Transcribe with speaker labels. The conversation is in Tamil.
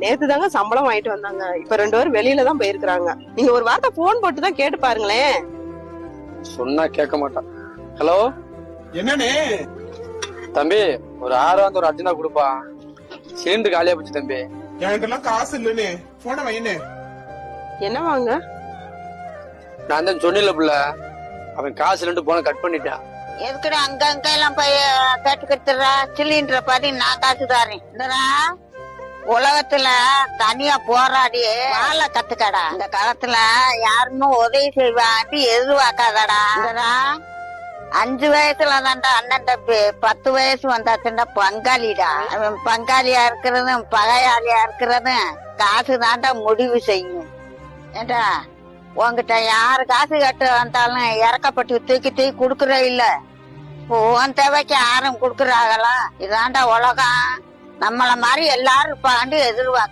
Speaker 1: நேத்து தாங்க சம்பளம் வாங்கிட்டு வந்தாங்க. இப்ப 2 பேரும் வெளியில தான் போயிருக்காங்க. நீங்க ஒரு வார்த்தை போன் போட்டு தான் கேட்டு பாருங்களேன்.
Speaker 2: சொன்னா கேட்க மாட்டான். ஹலோ,
Speaker 3: என்னன்னு
Speaker 2: தம்பி ஒரு 6 ஒரு அர்ஜென்டா கொடுப்பா, சிலிண்டர் காலியா போச்சு தம்பி.
Speaker 3: என்கிட்ட காசு இல்லன்னு போன வைன்னு.
Speaker 1: என்ன வாங்க?
Speaker 2: நான் தான் சொன்னில புள்ள, அவன் காசு இல்லைன்னு போன கட் பண்ணிட்டான்.
Speaker 4: எதுக்குடா அங்க அங்க எல்லாம் போய் கேட்டுக்கிட்டுறா? சிலிண்டரை பாதி நான் காசு தாரேன். இந்தடா, உலகத்துல தனியா போராடி வாழ கத்துக்கடா. இந்த காலத்துல யாருன்னு உதவி செய்வான்னு எதிர்பார்க்காதடா. இந்தடா, 5 வயசுல தான்டா அண்ணன் தம்பி, 10 வயசு வந்தாச்சுன்னா பங்காளிடா. அவன் பங்காளியா இருக்கிறதும் பகையாளியா இருக்கிறதும் காசு தாண்டா முடிவு செய்யும். ஏண்டா, உன்கிட்ட யாரு காசு கட்டு வந்தாலும் இறக்கப்பட்டு தூக்கி தூக்கி குடுக்கற இல்ல. உன் தேவைக்கு யாரும் குடுக்கறாங்களா? இதாண்டா உலகம். நம்மள மாதிரி எல்லாரும் இருப்பாண்டு எதிர்பார்க்க